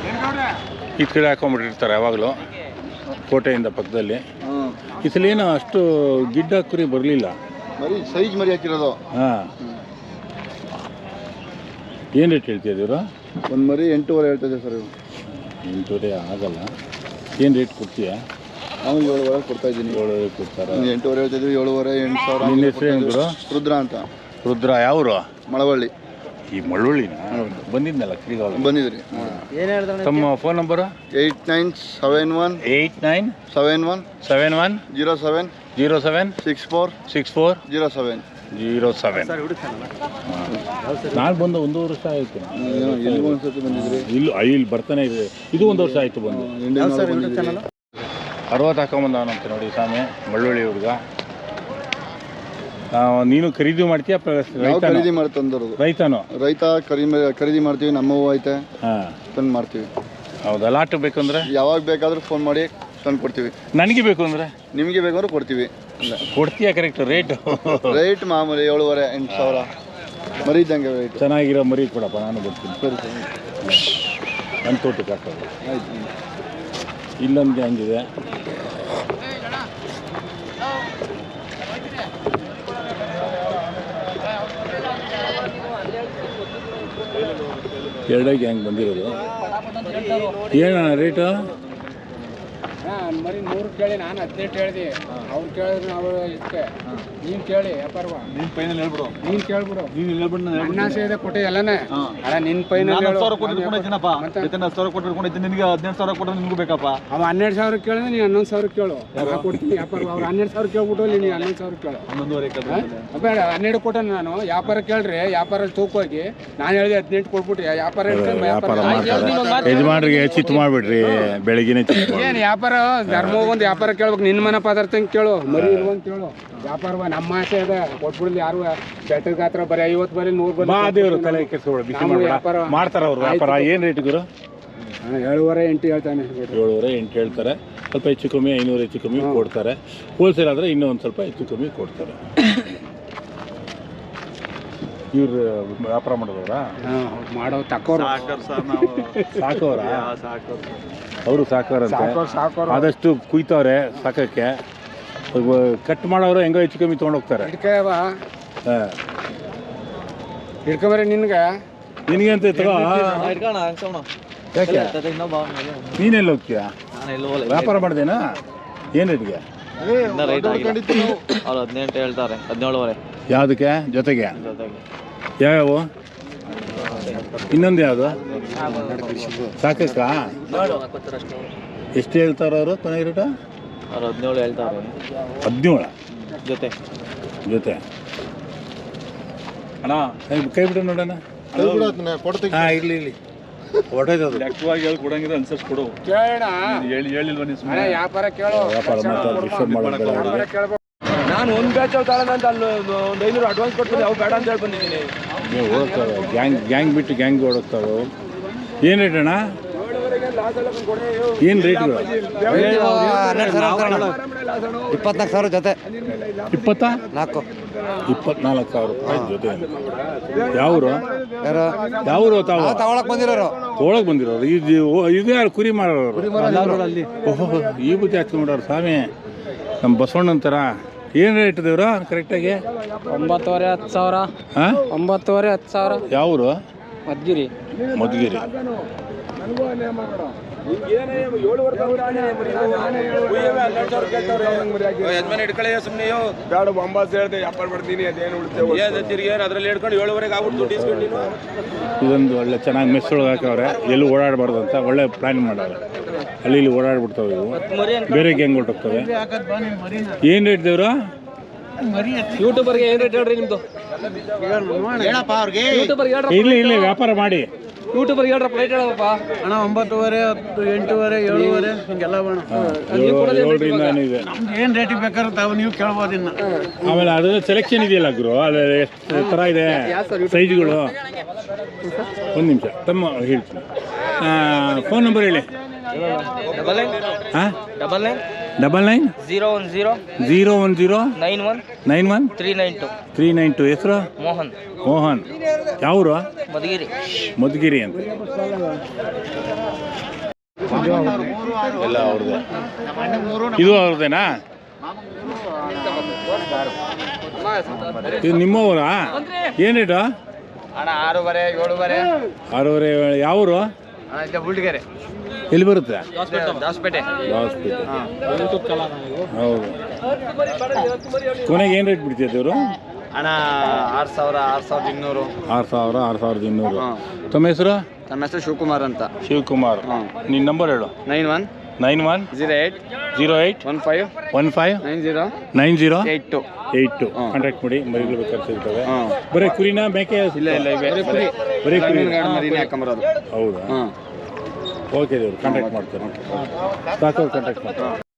ಈ ಕಡೆ ಹಾಕೊಂಡ್ಬಿಟ್ಟಿರ್ತಾರೆ ಯಾವಾಗಲೂ ಕೋಟೆಯಿಂದ ಪಕ್ಕದಲ್ಲಿ. ಈ ಸಲ ಏನೋ ಅಷ್ಟು ಗಿಡ್ಡ ಕುರಿ ಬರಲಿಲ್ಲ, ಮರಿ ಸೈಜ್ ಮರಿ ಹಾಕಿರೋದು. ಹಾಂ, ಏನು ರೇಟ್ ಹೇಳ್ತಿದ್ದೀರಾ? ಒಂದು ಮರಿ 8.5 ಹೇಳ್ತಿದ್ದೆ ಸರ್. 8.5 ಆಗಲ್ಲ. ಏನು ರೇಟ್ ಕೊಡ್ತೀಯಾ? ನಾವು 7.5 ಕೊಡ್ತಾ ಇದ್ದೀನಿ. 7.5 ಕೊಡ್ತಾರೆ. 8.5 ಹೇಳ್ತಿದ್ವಿ, 7.5 8,000. ನಿನ್ನ ಹೆಸರು ಏನು ಗುರು? ರುದ್ರ ಅಂತ. ರುದ್ರ ಯಾವರು? ಮಳವಳ್ಳಿ. ಈ ಮಳವಳ್ಳಿನ ಬಂದಿದ್ನಲ್ಲ ಶ್ರೀಗಾಲ ಬಂದಿದ್ರಿ. ತಮ್ಮ ಫೋನ್ ನಂಬರು? 8971 71 07 64 07. ನಾನು ಬಂದು 1 ವರ್ಷ ಆಯಿತು. ಎಲ್ಲಿಗೂ ಒಂದ್ಸತಿ ಬಂದಿದ್ರಿ? ಇಲ್ಲಿ ಬರ್ತಾನೆ ಇದೆ. ಇದು 1 ವರ್ಷ ಆಯಿತು ಬಂದು. 60 ಹಾಕೊಂಬಂದವನಂತೆ ನೋಡಿ ಸ್ವಾಮಿ, ಮಳ್ಳೊಳ್ಳಿ ಹುಡುಗ. ನೀನು ಖರೀದಿ ಮಾಡ್ತೀಯ? ಖರೀದಿ ಮಾಡಿ ತಂದರೋದು. ರೈತ ಖರೀದಿ ಮಾಡ್ತೀವಿ. ನಮ್ಮವು ಐತೆ, ತಂದು ಮಾಡ್ತೀವಿ. ಹೌದಾ? ಲಾಟ್ ಬೇಕಂದ್ರೆ ಯಾವಾಗ ಬೇಕಾದ್ರೂ ಫೋನ್ ಮಾಡಿ ತಂದು ಕೊಡ್ತೀವಿ. ನನಗೆ ಬೇಕು ಅಂದರೆ? ನಿಮಗೆ ಬೇಕಂದ್ರೆ ಕೊಡ್ತೀವಿ. ಕೊಡ್ತೀಯಾ? ಕರೆಕ್ಟ್ ರೇಟ್ ಮಾಮೂಲಿ 7.5 8,000 ಮರಿ ಇದ್ದಂಗೆ ರೇಟ್. ಚೆನ್ನಾಗಿರೋ ಮರಿ ಕೊಡಪ್ಪ, ನಾನು ಬರ್ತೀನಿ. ಸರಿ ಸರಿ, ನನ್ನ ತೋಟಕ್ಕೆ ಹಾಕೋದು. ಆಯ್ತು. ಇಲ್ಲೊಂದು ಹಂಗಿದೆ. ಎರಡೇ ಗ್ಯಾಂಗ್ ಬಂದಿರೋದು. ಏನಣ್ಣ ರೇಟು? ಮರಿ 100 ಕೇಳಿ, ನಾನು 18 ಹೇಳಿದೆ. ಅವ್ರು ಕೇಳಿದ್ರೆ ನಾವು ಇಷ್ಟೇ. ನೀನು ಕೇಳಿ ವ್ಯಾಪಾರವ, ನೀನು ಫೈನಲ್ ಹೇಳ್ಬಿಡು. ನೀನು ಕೇಳ್ಬಿಡು. ನೀನು ಹೇಳ್ಬಿಡು. ನನ್ನ ಆಸೆ ಇದೆ ಕೊಟ್ಟೆ ಎಲ್ಲನೇ. ಅಲ್ಲ ನಿನ್ನ ಫೈನಲ್ 10,000 ಕೊಟ್ಟಿರ್ಕೊಂಡೈತಿನಪ್ಪ. 10,000 ಕೊಟ್ಟಿರ್ಕೊಂಡೈತಿ. ನಿನಗೆ 18,000 ಕೊಟ್ಟರೆ ನಿನಗೂ ಬೇಕಪ್ಪ. ಅವ 12,000 ಕೇಳಿದ್ರೆ ನೀನು 11,000 ಕೇಳು. ಕೊಡ್ತೀನಿ ವ್ಯಾಪಾರ. ಅವ್ರು 12,000 ಕೇಳ್ಬಿಟ್ಟು ನೀನು 11,000 ಕೇಳು. 11,500 ಬೇಡ, 12 ಕೊಟ್ಟೆ ನಾನು. ವ್ಯಾಪಾರ ಕೇಳ್ರಿ, ವ್ಯಾಪಾರ ತೂಕೋಗಿ ನಾನು ಹೇಳಿದೆ 18 ಕೊಟ್ಬಿಟ್ಟು ವ್ಯಾಪಾರ ಯಜಮಾನ್ರಿಗೆ ಚಿತ್ತು ಮಾಡಿಬಿಡ್ರಿ. ಬೆಳಗಿನ ಏನು ವ್ಯಾಪಾರ ಧರ್ಮ ಒಂದು ವ್ಯಾಪಾರ ಕೇಳ್ಬೇಕು. ನಿನ್ನ ಮನೆ ಪದಾರ್ಥ ಕೇಳು, ಮರಿ ಇರುವಂತ ಕೇಳು. ವ್ಯಾಪಾರ ನಮ್ಮ ಆಸೆ ಅದ ಕೊಟ್ಬಿಡ್ಲಿ. ಯಾರು ಬೆಟ್ಟದ ಗಾತ್ರ ಬರೀ 50 ಬರೀ 100 ಬರೀ ತಲೆ ವ್ಯಾಪಾರ ಮಾಡ್ತಾರ ಅವ್ರು. ವ್ಯಾಪಾರ ಏನು ರೇಟ್ ಗುರು? 7.5 8 ಹೇಳ್ತಾನೆ. 7.5 8 ಹೇಳ್ತಾರೆ. ಸ್ವಲ್ಪ ಹೆಚ್ಚು ಕಮ್ಮಿ 500 ಹೆಚ್ಚು ಕಮ್ಮಿ ಕೊಡ್ತಾರೆ. ಹೋಲ್ಸೇಲ್ ಆದರೆ ಇನ್ನೂ ಒಂದು ಸ್ವಲ್ಪ ಹೆಚ್ಚು ಕಮ್ಮಿ ಕೊಡ್ತಾರೆ. ಇವ್ರು ವ್ಯಾಪಾರ ಮಾಡೋದವ್ರಾ? ಮಾಡೋ ತಕೋರು ಸಾಕೋರ? ಅವರು ಸಾಕೋರಂತೆ. ಆದಷ್ಟು ಕುಯ್ತವ್ರೆ ಸಾಕಕ್ಕೆ. ಕಟ್ ಮಾಡೋರು ಹೆಂಗೋ ಹೆಚ್ಚು ಕಮ್ಮಿ ತೊಗೊಂಡೋಗ್ತಾರೆ. ಹಿಡ್ಕೊಂಬರಿ ನಿನ್ಗೆ ಅಂತ ತಗೋ. ಯಾಕೆ ನೀನೆಲ್ಲ ಹೋಗ್ತೀಯಾ? ವ್ಯಾಪಾರ ಮಾಡ್ದೇನಾ? ಏನು ರೇಟ್ಗೆ? 18 ಹೇಳ್ತಾರೆ. 17.5. ಯಾವುದಕ್ಕೆ? ಜೊತೆಗೆ ಯಾವ್ಯಾವು? ಇನ್ನೊಂದು ಯಾವುದು? ಸಾಕಕ್ಕ? ಎಷ್ಟು ಹೇಳ್ತಾರ ಅವರು? ಕೊನೆಗೆ ರೇಟ 17 ಹೇಳ್ತಾರೆ. 17 ಜೊತೆ ಅಣ್ಣ ಕೈ ಬಿಡು ನೋಡೋಣ. ಹಾಂ, ಇರಲಿ ಹೊಡೆದದು. ಲೆಕ್ಕವಾಗಿ ಹೇಳಿ ಕೊಡಂಗಿದ್ರೆ ಅನ್ಸರ್ಸ್ ಕೊಡು. ಕೇಳೋಣ. ಹೇಳಿಲ್ವ ನೀವು? ವ್ಯಾಪಾರ ಕೇಳೋ. ವ್ಯಾಪಾರ ಮಾಡ್ತಾರೆ. ಡಿಸ್ಟರ್ಬ್ ಮಾಡೋದು. ನಾನು ಒಂದು ಬ್ಯಾಚ್ ತಗೊಳ್ಳೋಣ ಅಂತ ಅಲ್ಲಿ ಒಂದು 500 ಅಡ್ವಾನ್ಸ್ ಕೊಡ್ತೀನಿ. ಅವು ಬೇಡ ಅಂತ ಹೇಳಿ ಬಂದಿದ್ದೀನಿ. ನೀವು ಓಡ್ತಾವೆ ಗ್ಯಾಂಗ್ ಬಿಟ್ಟು ಗ್ಯಾಂಗ್ ಓಡೋಗ್ತಾವೆ. ಏನು ರೇಟ್ ಅಣ್ಣ? ಏನು ರೇಟ್ಗಳು? 24,000 ಜೊತೆ. 24,000 ರೂಪಾಯಿ ಜೊತೆ. ಯಾವರು ತಾವು? ತಗೊಳಕ್ ಬಂದಿರೋರು. ತೊಗೊಳಕ್ ಬಂದಿರೋರು. ಇದು ಯಾರು? ಕುರಿ ಮಾರೋರು. ಓಹೋ, ಈ ಬುದ್ಧಿ ಹಾಕ್ಕೊಂಡ್ಬಿಡೋರು ಸ್ವಾಮಿ. ನಮ್ಮ ಬಸವಣ್ಣಂತರ. ಏನು ರೇಟ್ ದೇವ್ರ ಕರೆಕ್ಟಾಗಿ? 9.5 10,000. ಹಾಂ, 9.5 10,000. ಯಾವರು? ಮದ್ಗಿರಿ. ಇಟ್ಕೊಳ್ಳಿ ಸುಮ್ಮನೆ ಬೇಡ. 9 ಹೇಳ್ದೆ ವ್ಯಾಪಾರ ಮಾಡ್ತೀನಿ. ಅದೇನು ಉಳಿತೇವೆ ಅದ್ರಲ್ಲಿ ಹಿಡ್ಕೊಂಡು 7.5 ಆಗ್ಬಿಟ್ಟು ಇಸ್ಕೊಂಡು. ಇದೊಂದು ಒಳ್ಳೆ ಚೆನ್ನಾಗಿ ಮೆಸ್ಸೊಳಗೆ ಹಾಕವ್ರೆ. ಎಲ್ಲೂ ಓಡಾಡಬಾರ್ದು ಅಂತ ಒಳ್ಳೆ ಪ್ಲಾನ್ ಮಾಡವ್ರೆ. ಅಲ್ಲಿ ಓಡಾಡ್ಬಿಡ್ತಾವೆ ಇವು. ಬೇರೆ ಗ್ಯಾಂಗ್ ಹೊರಟೋಗ್ತವೆ. ಏನು ರೇಟ್ ದೇವ್ರ? ಯೂಟ್ಯೂಬರ್ಗೆ ಏನು ರೇಟ್ ಹೇಳ್ರಿ ನಿಮ್ದು? ಇಲ್ಲಿ ವ್ಯಾಪಾರ ಮಾಡಿ. ಯೂಟ್ಯೂಬರ್ಗೆ ಹೇಳ್ರಪ್ಪ ರೇಟ್ ಹೇಳಪ್ಪ. ಅಣ್ಣ 9.5 10 8.5 7.5 ಹಿಂಗೆಲ್ಲ ಬೇಡ. 7 ಇದೆ. ಏನು ರೇಟಿಗೆ ಬೇಕಾದ್ರೆ ತಾವು ನೀವು ಕೇಳ್ಬೋದು. ಇನ್ನು ಆಮೇಲೆ ಅದು ಸೆಲೆಕ್ಷನ್ ಇದೆಯಲ್ಲ ಗುರು, ಅದು ಎಷ್ಟು ಥರ ಇದೆ ಸೈಜ್ಗಳು. ಒಂದು ನಿಮಿಷ ತಮ್ಮ ಹೇಳ್ತೀನಿ. ಫೋನ್ ನಂಬರ್ ಹೇಳಿ. ಡಬಲ್ 9 ಹಾಂ, 99 010 010 91 91 392 392. ಹೆಸರು ಮೋಹನ್ ಮೋಹನ್. ಯಾವರು? ಮಧುಗಿರಿ. ಮಧುಗಿರಿ ಅಂತ. ಎಲ್ಲ ಅವ್ರದ್ದೇ. ಇದು ಅವ್ರದ್ದೇನಾ? ಇದು ನಿಮ್ಮವರಾ? ಏನು ರೇಟು? ಅಣ್ಣ 6.5 7.5. 6.5. ಯಾವರು? ಬುಲ್ಟಿಗೆರೆ. ಎಲ್ಲಿ ಬರುತ್ತೆ? ದಾಸಪೇಟೆ. ಹೌದು. ಕೊನೆಗೆ ಏನು ರೇಟ್ ಬಿಡ್ತೀಯ ಇವರು? ಅಣ್ಣ 6,000 6,200. 6,000 6,200. ತಮ್ಮ ಹೆಸರು? ನಮ್ಮ ಹೆಸರು ಶಿವಕುಮಾರ್ ಅಂತ. ಶಿವಕುಮಾರ್. ನಿನ್ನ ನಂಬರ್ ಹೇಳು. 91 91 08 08 15 15 90 90 82. 82. ಕಾಂಟ್ಯಾಕ್ಟ್ ಮಾಡಿ. ಮರಿಗಳು ಬೇಕಾದ್ರೆ ಸಿಗ್ತವೆ. ಬರೀ ಕುರಿನಾ ಮೇಕೆ? ಇಲ್ಲ ಬರೀ ಕುರಿ ಮರಿನೇ ಹಾಕೊಂಬರೋದು. ಹೌದಾ? ಓಕೆ ದೇವ್ರು ಕಾಂಟ್ಯಾಕ್ಟ್ ಮಾಡ್ತಾರೆ. ಕಾಂಟ್ಯಾಕ್ಟ್ ಮಾಡ್ತಾರೆ.